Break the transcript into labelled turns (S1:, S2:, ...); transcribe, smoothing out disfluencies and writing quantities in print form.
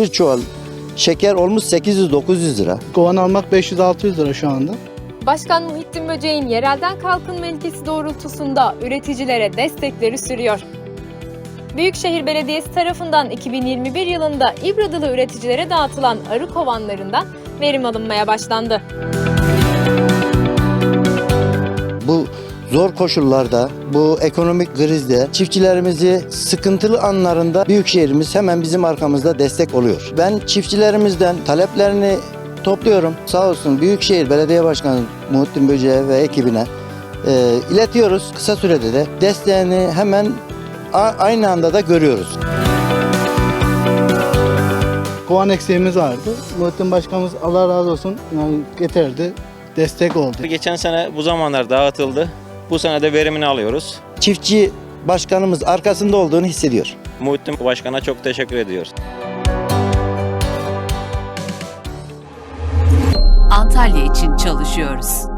S1: bir çuval şeker olmuş 800-900 lira.
S2: Kovan almak 500-600 lira şu anda.
S3: Başkan Muhittin Böceğin yerelden kalkınma ilkesi doğrultusunda üreticilere destekleri sürüyor. Büyükşehir Belediyesi tarafından 2021 yılında İbradalı üreticilere dağıtılan arı kovanlarından verim alınmaya başlandı.
S1: Bu zor koşullarda, bu ekonomik krizde çiftçilerimizi sıkıntılı anlarında Büyükşehir'imiz hemen bizim arkamızda destek oluyor. Ben çiftçilerimizden taleplerini topluyorum. Sağ olsun Büyükşehir Belediye Başkanı Muhittin Böceğe ve ekibine iletiyoruz. Kısa sürede de desteğini hemen aynı anda da görüyoruz.
S2: Kovan eksiğimiz vardı. Muhittin Başkanımız Allah razı olsun yani getirdi. Destek oldu.
S4: Geçen sene bu zamanlar dağıtıldı. Bu sene de verimini alıyoruz.
S1: Çiftçi başkanımız arkasında olduğunu hissediyor.
S4: Muhittin Başkan'a çok teşekkür ediyoruz.
S5: Antalya için çalışıyoruz.